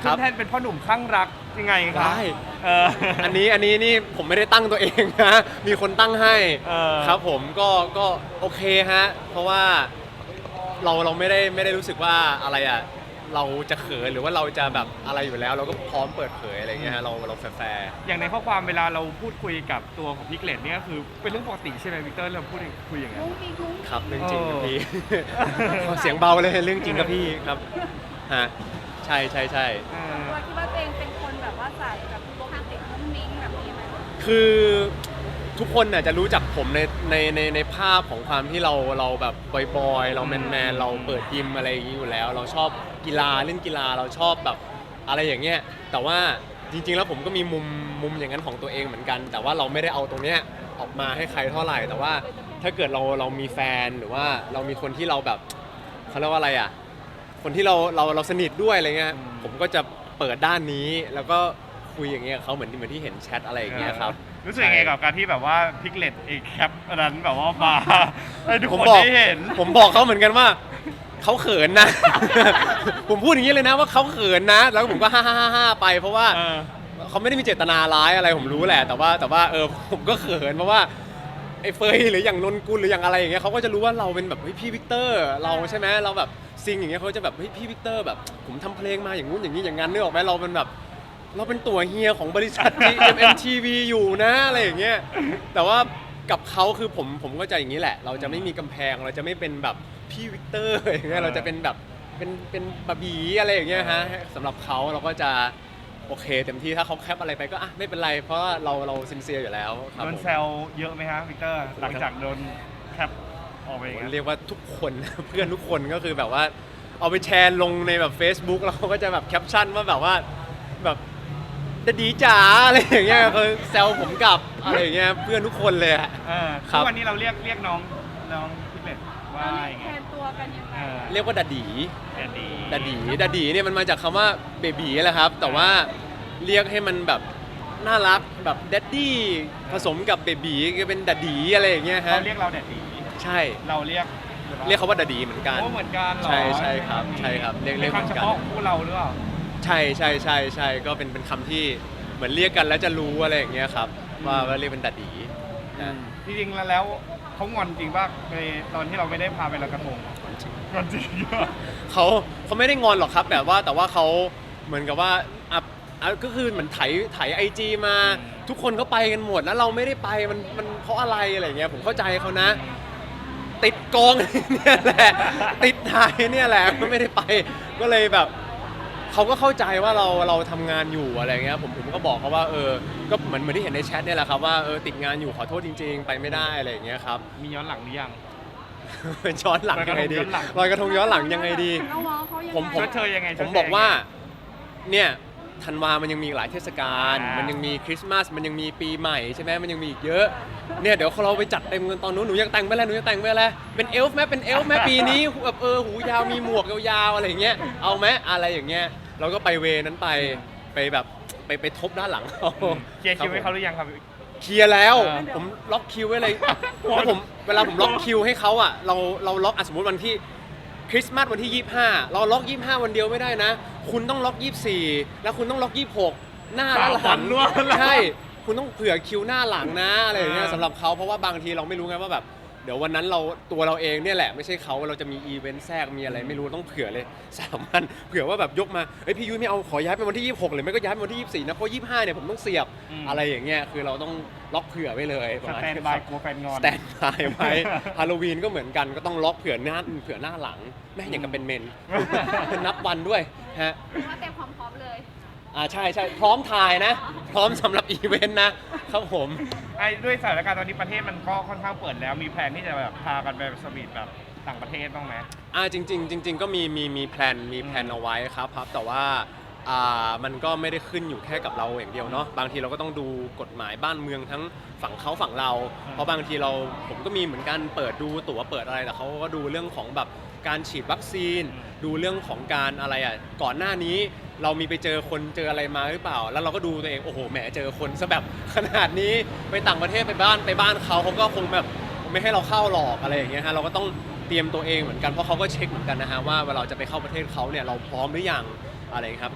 ขึ้นแท่นเป็นพ่อหนุ่มคลั่งรักยังไงครับได้ อันนี้นี่ผมไม่ได้ตั้งตัวเองนะมีคนตั้งให้ ครับผมก็โอเคฮะเพราะว่าเราไม่ได้รู้สึกว่าอะไรอ่ะเราจะเขินหรือว่าเราจะแบบอะไรอยู่แล้ว เราก็พร้อมเปิดเผยอะไรเงี้ยฮะเราแฟร์อย่างในข้อความเวลาเราพูดคุยกับตัวของพิกเลตเนี่ยก็คือเป็นเรื่องปกติใช่ไหมวิกเตอร์เราพูดคุยอย่างนั้นๆครับเรื่องจริงครับพี่ เสียงเบาเลยเรื่องจริงครับพี่ครับฮะใช่เออตัวคิดว่าตัวเองเป็นคนแบบว่าสายแบบโรแมนติกมุ้งมิ้งแบบนี้ไหมคือทุกคนน่ะจะรู้จักผมในภาพของความที่เราแบบบอยๆเราแมนเราเปิดยิมอะไรอย่างนี้อยู่แล้ว เราชอบกีฬาเล่นกีฬาเราชอบแบบอะไรอย่างเงี้ยแต่ว่าจริงๆแล้วผมก็มีมุมอย่างนั้นของตัวเองเหมือนกัน แต่ว่าเราไม่ได้เอาตรงเนี้ยออกมาให้ใครเท่าไหร่ แต่ว่าถ้าเกิดเรามีแฟนหรือว่าเรามีคนที่เราแบบเขาเรียกว่าอะไรอ่ะคนที่เราสนิทด้วยอะไรเงี้ยผมก็จะเปิดด้านนี้แล้วก็คุยอย่างเงี้ยกับเขาเหมือนที่เห็นแชทอะไรอย่างเงี้ยครับรู้สึกยังไงกับการที่แบบว่าพิกเลตเอแคปอันนั้นแบบว่ามาให้ทุกผมคนบอกได้เห็นผมบอกเขาเหมือนกันว่าเขาเขินนะ ผมพูดอย่างนี้เลยนะว่าเขาเขินนะ แล้วผมก็ฮ่าไปเพราะว่าเออเขาไม่ได้มีเจตนาร้ายอะไรผมรู้แหละแต่ว่าผมก็เขินเพราะว่าไอ้เฟยหรืออย่างนนกุลหรืออย่างอะไรอย่างเงี้ยเขาก็จะรู้ว่าเราเป็นแบบเฮ้ยพี่วิกเตอร์เราใช่ไหมเราแบบซิงอย่างเงี้ยเขาจะแบบเฮ้ยพี่วิกเตอร์แบบผมทำเพลงมาอย่างงู้นอย่างนี้อย่างนั้นนึกออกไหมเราเป็นแบบเราเป็นตัวเฮียของบริษัท GMMTV อยู่นะอะไรอย่างเงี้ยแต่ว่ากับเขาคือผมก็จะอย่างนี้แหละ เราจะไม่มีกำแพงเราจะไม่เป็นแบบพี่วิกเตอร์อย่างเงี้ยเราจะเป็นแบบเป็นบาบีอะไรอย่างเงี้ยฮะสำหรับเขาเราก็จะโอเคเต็มที่ถ้าเขาแคปอะไรไปก็อ่ะไม่เป็นไรเพราะว่าเราซินเซียร์อยู่แล้วครับโดนผมแซวเยอะไหมฮะวิกเตอร์หลังจากโดนแคปออกไปอย่างผมนั้นเรียกว่าทุกคน เพื่อนทุกคนก็คือแบบว่าเอาไปแชร์ลงในแบบ Facebook แล้วเขาก็จะแบบแคปชั่นว่าแบบว่าแบบจะดีจ๋าอะไรอย่างเงี้ยคือแซวผมกลับอะไรอย่างเงี้ยเพื่อนทุกคนเลยอะ ครัทุบกวันนี้เราเรียกน้องพิกเลตว่าเราอย่างแทไงนตัวกันยังไงเรียกว่าดาดีแต่ดีดาดีเนี่ยมันมาจากคำว่าเบบีแหละครับ แต่ว่าเรียกให้มันแบบน่ารักแบบดัดดี้ผสมกับเบบีก็เป็นดาดีอะไรอย่างเงี้ยฮะเขาเรียกเราแต่ดีใช่เราเรียกเขาว่าดาดีเหมือนกันโอ้เหมือนกันเหรอใช่ครับใช่ครับเรียกเป็นเหมือนคำเฉกันพาะคู่เราหรือเปล่าใช่ก็เป็นคำที่เหมือนเรียกกันแล้วจะรู้อะไรอย่างเงี้ยครับว่าเรียกเป็นดัดดีนะจริงๆแล้วเขางอนจริงป่ะในตอนที่เราไม่ได้พาไปลอยกระทงงอนจริงป่ะเขาไม่ได้งอนหรอกครับแต่ว่าเขาเหมือนกับว่าก็คือเหมือนไถไอจีมา ทุกคนเขาไปกันหมดแล้วเราไม่ได้ไปมันเพราะอะไรอะไรเงี้ยผมเข้าใจเขานะ ติดกอง เนี่ยแหละติดถ่ายเนี่ยแหละก็ไม่ได้ไปก็เลยแบบเขาก็เข้าใจว่าเราทำงานอยู่อะไรเงี้ยผมก็บอกเขาว่าก็เหมือนที่เห็นในแชทเนี่ยแหละครับว่าติดงานอยู่ขอโทษจริงๆ ไปไม่ได้อะไรอย่างเงี้ยครับมีย้อนหลังหรือยังย้อนหลังยังไงดีลอยกระทงย้อนหลังยังไงดีน้องๆเขายังไงผมชดเชยยังไงผมบอกว่าเนี่ยธันวามันยังมีหลายเทศกาลอ่ามัมันยังมีคริสต์มาสมันยังมีปีใหม่ใช่ไหมมันยังมีอีกเยอะเนี่ยเดี๋ยวเราไปจัดเต็มกันตอนนู้นหนูอยากแต่งไปแล้วเป็นเอลฟ์ไหมเป็นเอลฟ์ไหมปีนี้แบบหูยาวมีหมวกยาวๆอะไรอย่างเงี้ยเอาไหมอะไรอย่างเงี้ยเราก็ไปเวนั้นไปแบบไปทบด้านหลังเขาเคลียร์คิวให้เขาหรือยังครับเคลียร์แล้วเออผมล็อกคิวไว้เลยแล้วผมเวลาผมล็อกคิวให้เขาอ่ะเราล็อกสมมติวันที่คริสต์มาสวันที่ 25 เราล็อก 25 วันเดียวไม่ได้นะ คุณต้องล็อก 24 แล้วคุณต้องล็อก 26 หน้าและหลังใช่คุณต้องเผื่อคิวหน้าหลังนะอะไรอย่างเงี้ยสำหรับเขาเพราะว่าบางทีเราไม่รู้ไงว่าแบบเดี๋ยววันนั้นตัวเราเองเนี่ยแหละไม่ใช่เขาเราจะมีอีเวนต์แทรกมีอะไรไม่รู้ต้องเผื่อเลย3 วันเผื่อว่าแบบยกมาเอ้ยพี่ยุ้ยไม่เอาขอย้ายไปวันที่ 26หรือไม่ก็ย้ายไปวันที่ 24 นะเพราะ 25 เนี่ยผมต้องเสียบอะไรอย่างเงี้ยคือเราต้องล็อกเผื่อไว้เลยสแตนบายกลัวแฟนงอนสแตนบายไว้ ฮาโลวีนก็เหมือนกันก็ต้องล็อกเผื่อหน้าหลังแม่อย่างกับเป็นเมน นับวันด้วยฮะว่าเต็มความพร้อมเลยใช่พร้อมถ่ายนะ พร้อมสำหรับอีเวนต์นะครับผมไอ้ด้วยสถานการณ์ตอนนี้ประเทศมันก็ค่อนข้างเปิดแล้วมีแผนที่จะแบบพากันไปสวีทแบบต่างประเทศบ้างไหมจริงๆก็มีแพลนเอาไว้ครับแต่ว่ามันก็ไม่ได้ขึ้นอยู่แค่กับเราอย่างเดียวเนาะบางทีเราก็ต้องดูกฎหมายบ้านเมืองทั้งฝั่งเขาฝั่งเรา เพราะบางทีผมก็มีเหมือนกันเปิดดูตั๋วเปิดอะไรแต่เขาก็ดูเรื่องของแบบการฉีดวัคซีน ดูเรื่องของการอะไรก่อนหน้านี้เรามีไปเจอคนเจออะไรมาหรือเปล่า แล้วเราก็ดูตัวเองโอ้โหแหมเจอคนซะแบบขนาดนี้ไปต่างประเทศไปบ้านเขาก็คงแบบไม่ให้เราเข้าหรอกอะไรอย่างเงี้ยฮะเราก็ต้องเตรียมตัวเองเหมือนกันเพราะเขาก็เช็คเหมือนกันนะฮะว่าเวลาจะไปเข้าประเทศเขาเนี่ยเราพร้อมหรือยังอะไรครับก็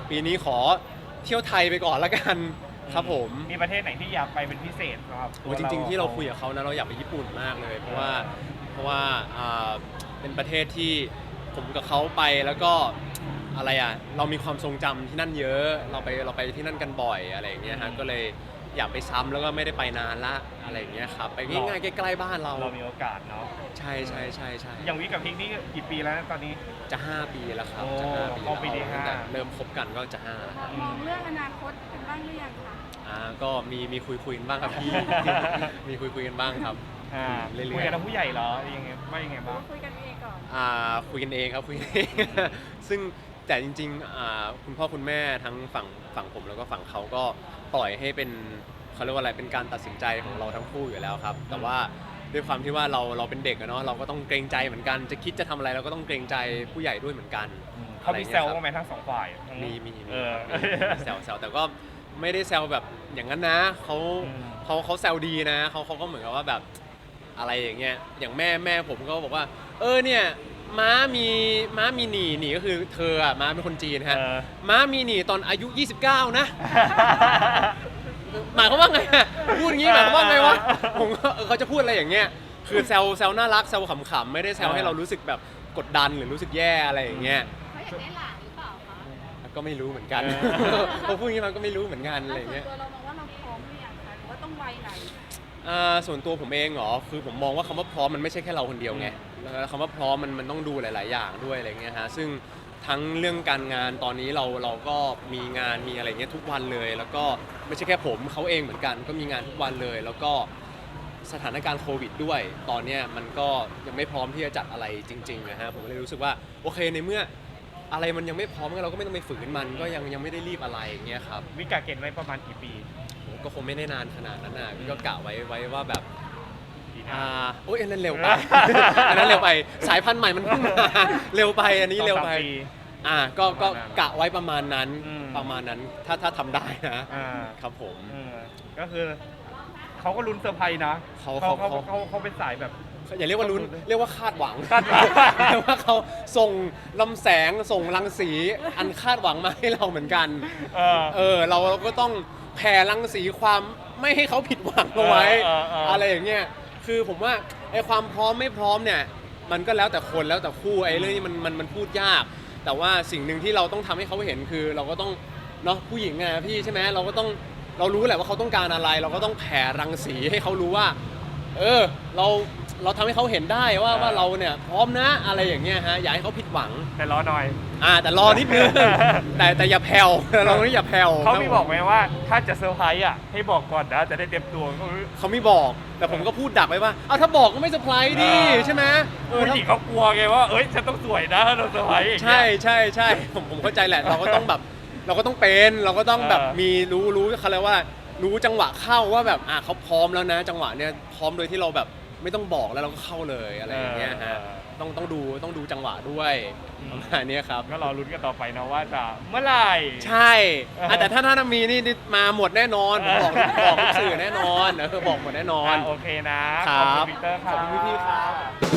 ปีนี้ขอเที่ยวไทยไปก่อนละกันครับผมมีประเทศไหนที่อยากไปเป็นพิเศษครับโอ้จริงๆที่เราคุยกับเขานะเราอยากไปญี่ปุ่นมากเลย เพราะว่าเป็นประเทศที่ผมกับเขาไปแล้วก็อะไรอ่ะเรามีความทรงจำที่นั่นเยอะเราไปที่นั่นกันบ่อยอะไรอย่างเงี้ยฮะก็เลยอยากไปซ้ำแล้วก็ไม่ได้ไปนานละอะไรอย่างเงี้ยครับไปง่ายๆใกล้ๆบ้านเราเรามีโอกาสเนาะใช่ใช่ใช่ใช่อย่างวิกับพิงนี่กี่ปีแล้วนะตอนนี้จะ 5 ปีแล้วครับโอ้จะ5 ปีเข้าปีที่ตั้งแต่ 5 เริ่มคบกันก็จะ5แล้วครับมองเรื่องอนาคตกันบ้างหรือยังคะก็มีคุยกันบ้างครับพี่ มีคุยกันบ้างครับ เรื่อยๆคุยกับทางผู้ใหญ่เหรอยังไงว่ายังไงหรือบ้างว่าคุยกันเองก่อนคุยกันเองครับคุยกันเอง ซึ่งแต่จริงๆคุณพ่อคุณแม่ทั้งฝั่งผมแล้วก็ฝั่งเขาก็ปล่อยให้เป็นเขาเรียกว่าอะไรเป็นการตัดสินใจของเราทั้งคู่อยู่แล้วครับ แต่ว่าด้วยความที่ว่าเราเป็นเด็กอะเนาะเราก็ต้องเกรงใจเหมือนกันจะคิดจะทำอะไรเราก็ต้องเกรงใจผู้ใหญ่ด้วยเหมือนกันเขามีแซวบ้างไหมทั้งสองฝ่ายทั้งมีเออแซวแต่ก็ไม่ได้แซวแบบอย่างนั้นนะเขาอืมเขาแซวดีนะเขาก็เหมือนกับว่าแบบอะไรอย่างเงี้ยอย่างแม่ผมก็บอกว่าเนี่ยม้ามีหนีก็คือเธออะม้าเป็นคนจีนฮะ ม้ามีหนีตอนอายุ 29 นะ หมายความว่าไงอะพูดอย่างงี้หมายความว่าไงวะผมก็เขาจะพูดอะไรอย่างเงี้ยคือแซวน่ารักแซวขำๆไม่ได้แซวให้เรารู้สึกแบบกดดันหรือรู้สึกแย่อะไรอย่างเงี้ยเขาอยากได้หลานหรือเปล่าคะก็ไม่รู้เหมือนกันพอพูดอย่างงี้มันก็ไม่รู้เหมือนกันอะไรอย่างเงี้ยส่วนตัวเรามองว่าเราพร้อมหรือยังคะหรือว่าต้องวัยไหนส่วนตัวผมเองเหรอคือผมมองว่าคำว่าพร้อมมันไม่ใช่แค่เราคนเดียวไงแล้วคำว่าพร้อมมันต้องดูหลาย ๆ อย่างด้วยอะไรเงี้ยฮะซึ่งทั้งเรื่องการงานตอนนี้เราก็มีงานมีอะไรเงี้ยทุกวันเลย แล้วก็ไม่ใช่แค่ผมเขาเองเหมือนกันก็มีงานทุกวันเลย แล้วก็สถานการณ์โควิดด้วย ตอนเนี้ยมันก็ยังไม่พร้อมที่จะจัดอะไรจริงๆนะฮะผมก็เลยรู้สึกว่าโอเคในเมื่ออะไรมันยังไม่พร้อมงั้นเราก็ไม่ต้องไปฝืนมันก็ยังไม่ได้รีบอะไรอย่างเงี้ยครับวิกาเกณฑ์ไว้ประมาณกี่ปีก็คงไม่ได้นานขนาดนั้นนะพี่ก็กะไว้ว่าแบบปีหน้าโอ้ยอันนั้นเร็วไป อันนั้นเร็วไปสายพันธุ์ใหม่มันเพิ่งมาเร็วไปอันนี้เร็วไป 2-3 ปีก็ประมาณนั้นกะไว้ประมาณนั้นอืมประมาณนั้นถ้าทำได้นะอ่าครับผมก็คือเขาก็ลุ้นเซอร์ไพรส์นะ เขาเป็นสายแบบอย่าเรียกว่าลุ้นเรียกว่าคาดหวังคาดหวังเรียกว่าเขาส่งลำแสงส่งรังสีอันคาดหวังมาให้เราเหมือนกัน เราก็ต้องแผ่รังสีความไม่ให้เขาผิดหวังเอาไว้ อะไรอย่างเงี้ยคือผมว่าไอ้ความพร้อมไม่พร้อมเนี่ยมันก็แล้วแต่คนแล้วแต่คู่ไอ้เรื่องนี้มันพูดยาก แต่ว่าสิ่งหนึ่งที่เราต้องทำให้เขาเห็นคือเราก็ต้องเนาะผู้หญิงไงพี่ใช่ไหมเรารู้แหละว่าเขาต้องการอะไร เราก็ต้องแผ่รังสีให้เขารู้ว่าเราทำให้เขาเห็นได้ว่าเราเนี่ยพร้อมนะอะไรอย่างเงี้ยฮะอย่าให้เขาผิดหวังแต่รอหน่อยแต่รอนิดนึง แต่อย่าแผ่วเราไม่อย่าแผ่วเขามีบอกไหมว่าถ้าจะเซอร์ไพรส์อ่ะให้บอกก่อนนะจะได้เตรียมตัวก็คือเขาไม่บอกแต่ผมก็พูดดักไว้ว่าถ้าบอกก็ไม่เซอร์ไพรส์ดิใช่ไหมผู้หญิงเขากลัวไงว่าเอ้ยฉันต้องสวยนะถ้าเราเซอร์ไพรส์อย่างเงี้ยใช่ผมเข้าใจแหละเราก็ต้องแบบเราก็ต้องเป็นเราก็ต้องแบบมีรู้เขาเรียกว่ารู้จังหวะเข้าว่าแบบเขาพร้อมแล้วนะ จังหวะเนี้ยพร้อมโดยที่เราแบบไม่ต้องบอกแล้วเราก็เข้าเลยอะไรอย่างเงี้ยฮะต้องดูจังหวะด้วยประมาณนี้ครับก็รอลุ้นกันต่อไปนะว่าจะเมื่อไหร่ใช่แต่ถ้ามีนี่มาหมดแน่นอนผมบอกทุกสื่อแน่นอนบอกหมดแน่นอนโอเคนะครัขอบบ คุณพีเตอร์คขรัอบคุณพี่ๆครับ